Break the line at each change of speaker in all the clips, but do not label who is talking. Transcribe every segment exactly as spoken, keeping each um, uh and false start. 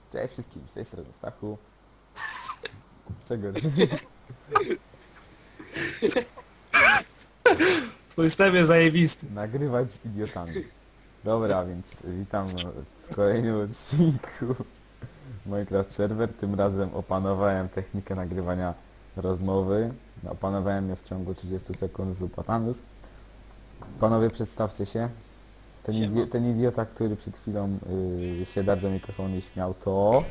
Cześć wszystkim, z tej strony Stachu. Czego?
Twój wstęp jest zajebisty.
Nagrywać z idiotami. Dobra, więc witam w kolejnym odcinku Minecraft Server. Tym razem opanowałem technikę nagrywania rozmowy. Opanowałem ją w ciągu trzydziestu sekund z Upatanusz. Panowie, przedstawcie się. Ten,
Siema.
idi ten idiota, który przed chwilą yy, się darł do mikrofonu i śmiał, to...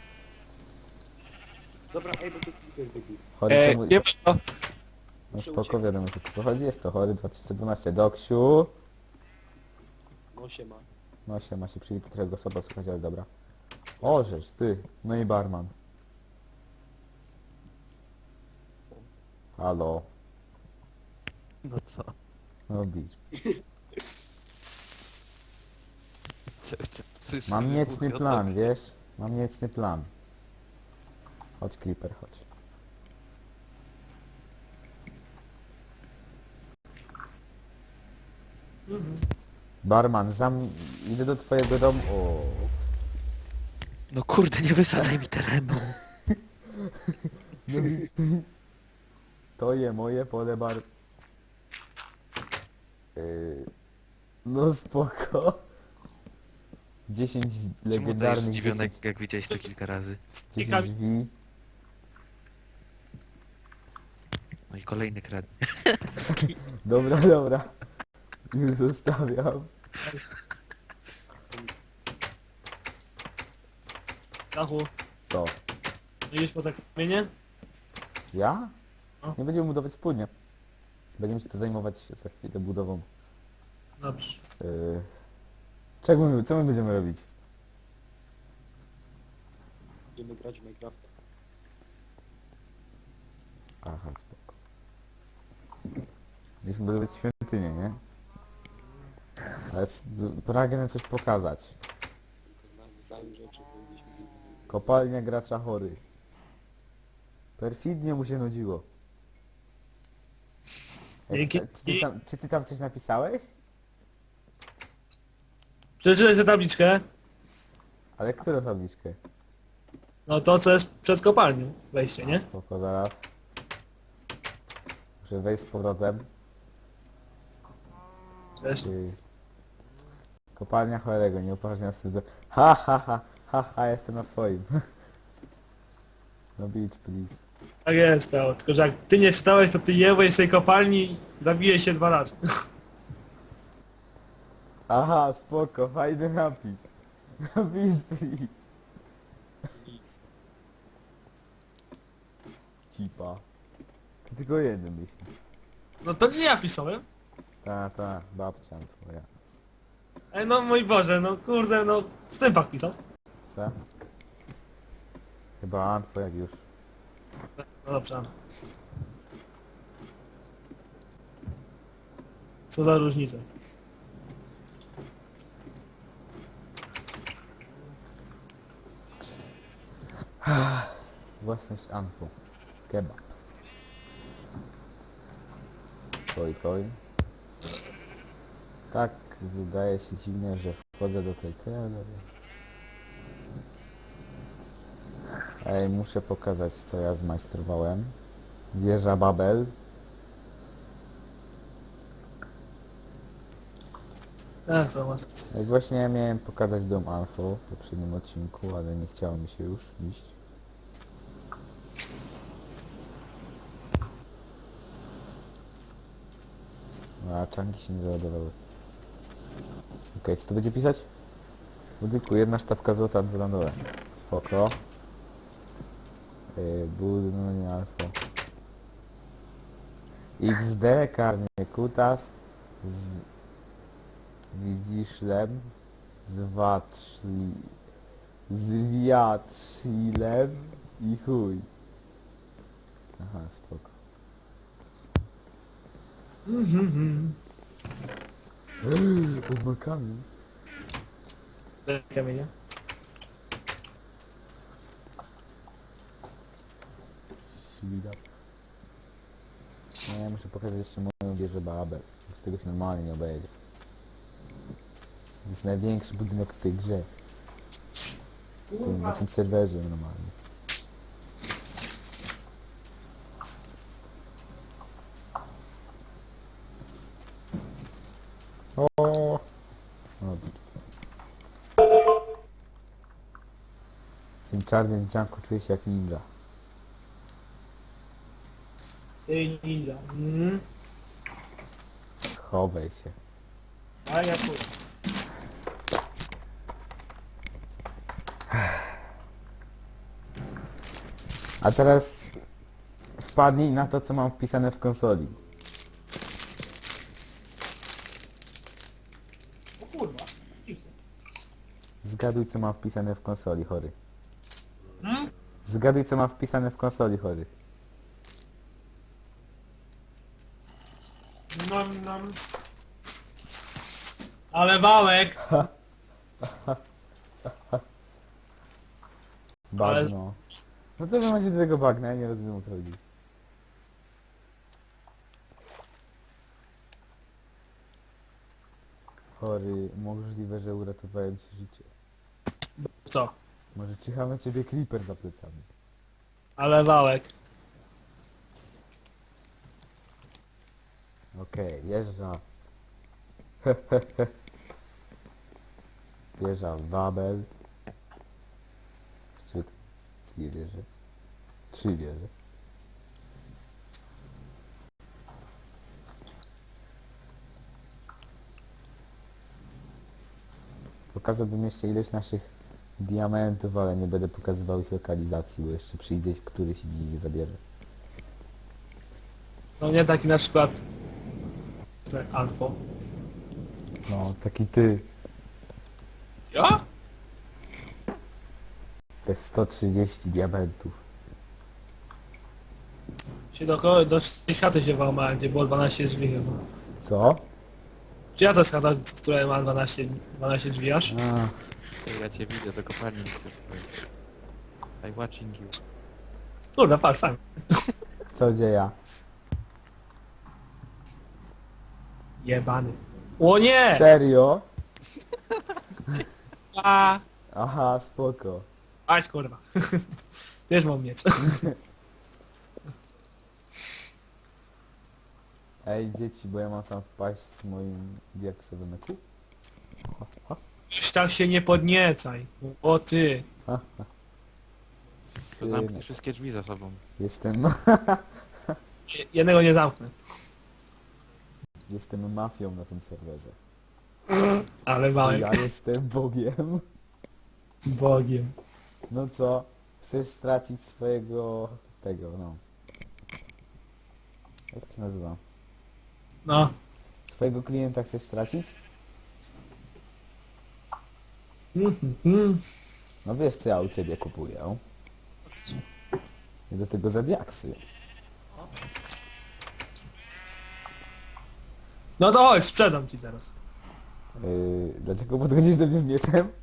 Dobra, ej, bo to klipek wybił.
Chory,
Eee,
czemu...
nie to.
No
Muszę
spoko,
uciekać.
wiadomo, co tu chodzi. Jest to Chory dwa tysiące dwanaście. Doksiu.
No siema.
No się ma się przyjdzie trochę go słabo słuchać, ale dobra. O, żeż, ty. No i barman. Halo.
No co?
No bić.
Cały czas słyszę
Mam
wybuchy
niecny
od
plan,
nogi.
wiesz? Mam niecny plan. Chodź, Creeper, chodź. Barman, zam... Idę do twojego domu. O.
No kurde, nie wysadzaj mi terenu.
No bić, please. To je moje pole bar... Yy... No spoko. dziesięć
Czemu dajesz
legendarnych
zdziwiony,
dziesięć,
jak widziałeś to kilka razy?
dziesięć drzwi.
No i kolejny kradnie.
Dobra, dobra. Już zostawiam.
Dachu,
Co?
idziesz po te kamienie?
Ja?
No.
Nie będziemy budować wspólnie. Będziemy się to zajmować za chwilę budową.
Dobrze.
Yy... Czego my, co my będziemy robić?
Będziemy grać w Minecrafta.
Aha, spoko. Będziemy budować świątynię, nie? Ale c- pragnę coś pokazać.
Tylko znamy zajm rzeczy, powinniśmy...
Kopalnia gracza chory. Perfidnie mu się nudziło. Ej,
Dzięki.
czy, czy, ty tam, czy ty tam coś napisałeś?
Przeczytaj sobie tabliczkę.
Ale którą tabliczkę?
No to co jest przed kopalnią. Wejście, nie?
Spoko, zaraz. Muszę wejść z powrotem.
Cześć.
Ty. Kopalnia chorego, nie upoważniam wstydu. Ha ha ha, ha ha, jestem na swoim. No beach, please.
Tak jest, to. Tylko że jak ty nie czytałeś, to ty jebłeś z tej kopalni i zabijesz się dwa razy.
Aha, spoko, fajny napis. No beach, please.
Nic.
Cipa. Ty tylko jeden myślisz.
No to nie ja pisałem.
Ta, ta, babcia twoja.
Ej, no mój Boże, no kurde, no wstępak pisał.
Ta? Chyba Antwo jak już.
No dobrze. Co za różnica.
Własność Antwo. Kebab. Toj, toj. Tak, wydaje się dziwnie, że wchodzę do tej teorii. Ej, muszę pokazać, co ja zmajstrowałem. Wieża Babel.
Tak, to masz.
Jak właśnie miałem pokazać dom Alfo w poprzednim odcinku, ale nie chciało mi się już iść. No, a czanki się nie załadowały. Okej, co tu będzie pisać? Budyku, jedna sztabka złota, dwa na dole. Spoko. Yy, budynek Alfo. X D, karnie kutas. Z... Widziszlem. Zwatrzli... Zwiatrzilem i chuj. Aha, spoko.
Mhm.
On ma kamień.
Kamienie.
Ślida. Nie, muszę pokazać jeszcze moją wieżę Babel. Z tego się normalnie nie obejdzie. To jest największy budynek w tej grze. W tym, na tym serwerze normalnie. O. O. W tym czarnym wdzianku czuję się jak ninja.
Ty ninja. Mhm.
Schowaj się.
A ja tu.
A teraz wpadnij na to, co mam wpisane w konsoli.
O kurwa. Chipsy.
Zgaduj, co mam wpisane w konsoli, chory.
Hmm?
Zgaduj, co mam wpisane w konsoli, chory.
Nam, nam. Ale wałek!
Bagno. No co wy macie do tego bagna? Ja nie rozumiem, o co chodzi. Chory, możliwe, że uratowałem ci życie.
Co?
Może czyha na ciebie creeper za plecami.
Ale wałek.
Okej, jeżdża. Wieża Wabel. Czy dwie wieże? Trzy wieże. Pokazałbym jeszcze ilość naszych diamentów, ale nie będę pokazywał ich lokalizacji, bo jeszcze przyjdzie któryś i mi je zabierze.
No nie taki na przykład... Tak, Alfo.
No, taki ty.
Ja?
Te sto trzydzieści diamentów.
Się do, ko- do tej chaty się włamałem, gdzie było dwanaście drzwi chyba.
Co?
Czy ja to jest chata, która ma dwanaście, dwanaście drzwi aż?
A,
Ej, ja cię widzę, do kopalni nie chcę wchodzić. I'm watching you.
Kurde, patrz, tam.
co dzieje?
Jebany. O nie!
Serio?
A,
Aha, spoko.
Aś kurwa. Też mam miecz.
Ej, dzieci, bo ja mam tam wpaść z moim diaksowym eku.
Już tak się nie podniecaj. O ty.
To zamknij
Synek,
wszystkie drzwi za sobą.
Jestem,
Je- Jednego nie zamknę.
jestem mafią na tym serwerze.
Ale wałek.
Ja jestem Bogiem.
Bogiem.
No co? Chcesz stracić swojego... tego, no. Jak to się nazywa?
No.
Swojego klienta chcesz stracić?
Mhm, mhm.
No wiesz, co ja u ciebie kupuję. I do tego za diaksy.
No to chodź, sprzedam ci teraz.
Yy, dlaczego podchodzisz do mnie z mieczem?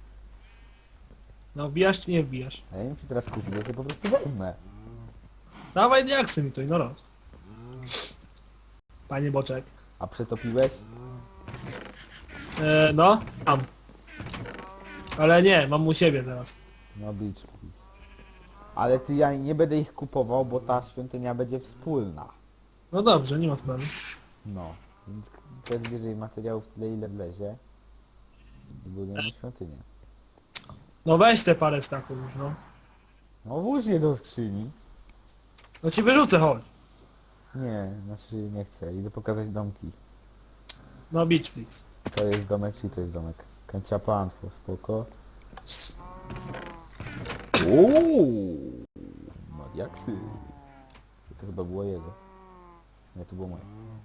No wbijasz czy nie wbijasz?
A ja nie chcę teraz kupić, ja sobie po prostu wezmę.
Dawaj diaksy mi to i no roz. Panie Boczek.
A przetopiłeś?
E, no, mam. Ale nie, mam u siebie teraz.
No beach please. Ale ty, ja nie będę ich kupował, bo ta świątynia będzie wspólna.
No dobrze, nie ma problemu.
No, więc też bierze materiałów tyle, ile wlezie. I budujemy świątynię.
No weź te parę staków już, no.
No włóż je do skrzyni.
No ci wyrzucę, chodź.
Nie, znaczy nie chcę. Idę pokazać domki.
No beach please.
To jest domek, czy to jest domek? Kanciapanfo, spoko. Uuu, Madiaksy. To chyba było jego. Nie, to było moje.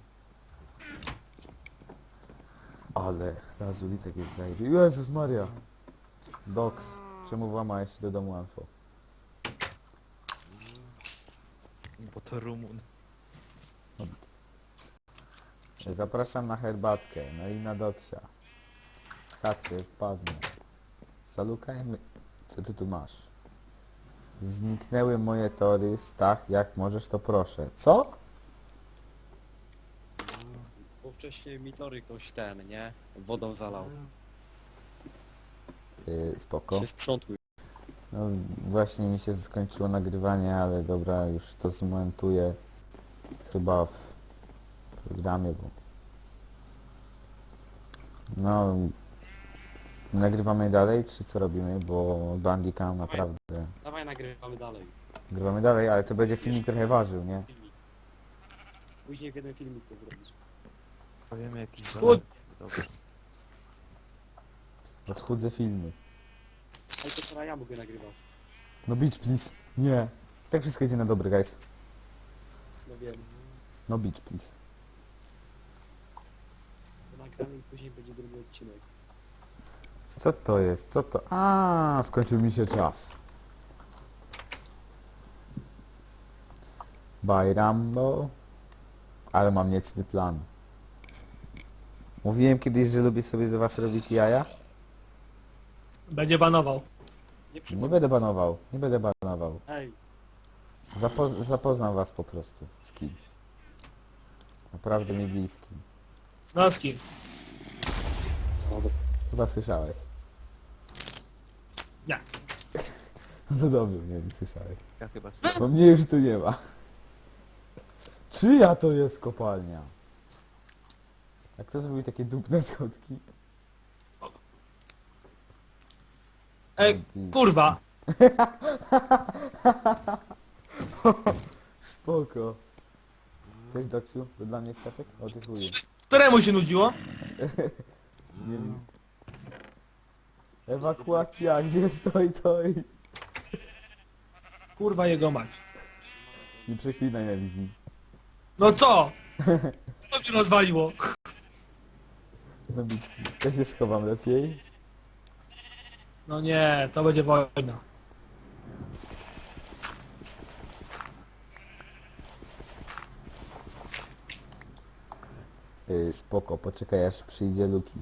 Ale lazulitek jest zajdzie. Jezus Maria. Doks, czemu włamałeś się do domu Anfo?
Bo to Rumun.
Zapraszam na herbatkę, no i na doksia. W chacie wpadnę. Zalukajmy. Co ty tu masz? Zniknęły moje tory, Stach, jak możesz to proszę. Co?
Bo wcześniej mi tory ktoś ten, nie? Wodą zalał.
Yy, spoko.
Się sprzątły.
No właśnie mi się skończyło nagrywanie, ale dobra, już to zmontuję chyba w programie, bo... No... Nagrywamy dalej, czy co robimy, bo Bandicam naprawdę...
Dawaj nagrywamy dalej.
Nagrywamy dalej, ale to będzie filmik trochę ważył, nie?
Filmik. Później w jeden filmik to zrobisz.
Powiemy jakiś
Chud-
dolar. Dobra.
Odchudzę filmy.
Ale to teraz ja mogę nagrywać.
No beach please. Nie. Tak wszystko idzie na dobre, guys.
No wiem.
No beach please.
To nagramy i później będzie drugi odcinek.
Co to jest? Co to? A, skończył mi się czas. Bye Rambo. Ale mam niecny plan. Mówiłem kiedyś, że lubię sobie z was robić jaja?
Będzie banował.
Nie
Nie
przypomnę.
będę banował. Nie będę banował.
Ej,
Zapoz zapoznam was po prostu z kimś. Naprawdę mi bliskim.
No z kim?
Chyba słyszałeś.
Nie.
No dobrze, nie wiem, słyszałeś.
Ja chyba
Bo mnie już tu nie ma. Czyja to jest kopalnia? A kto zrobił takie dupne schodki?
Ej, kurwa!
Spoko. Cześć Doksiu, to dla mnie kwiatek? O ty chuju.
Któremu się nudziło?
Nie wiem. Ewakuacja, gdzie stoi toj?
Kurwa jego mać.
Nie przeklinaj na wizji.
No co? Co się rozwaliło?
No bit. Ja się schowam lepiej.
No nie, to będzie wojna.
Yy, spoko, poczekaj aż przyjdzie Luki.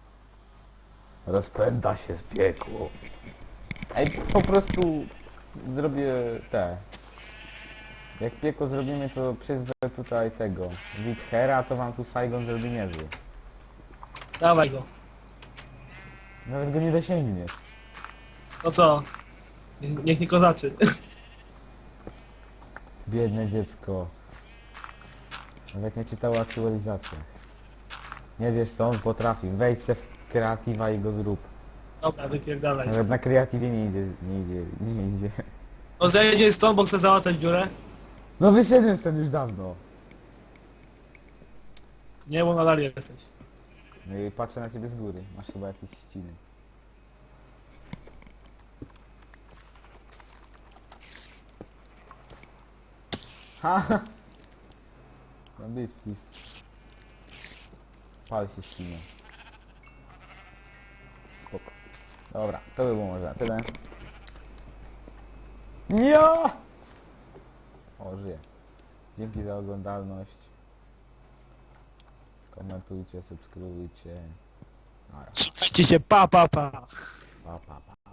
Rozpęta się z piekło. Ej, po prostu zrobię te. Jak piekło zrobimy, to przyzwę tutaj tego. Withera, to wam tu Saigon zrobi niezły.
Dawaj go.
Nawet go nie dosięgniesz.
No co? Niech, niech nie kozaczy.
Biedne dziecko. Nawet nie czytało aktualizacji. Nie wiesz co on potrafi. Wejdź se w kreatywa i go zrób.
Dobra, wypierdalaj.
Nawet na kreatywie nie idzie, nie idzie, nie idzie.
No zejdzie stąd, bo chcę załatać dziurę.
No wyszedłem stąd już dawno.
Nie, bo nadal jesteś.
No i patrzę na ciebie z góry. Masz chyba jakieś ściny. Ha! No być, please. Pal się ścina. Spoko. Dobra, to by było może na tyle. Ja! O, żyję. Dzięki za oglądalność. Komentujcie, subskrybujcie. Nara.
Trzymajcie się, pa, pa, pa.
Pa, pa, pa.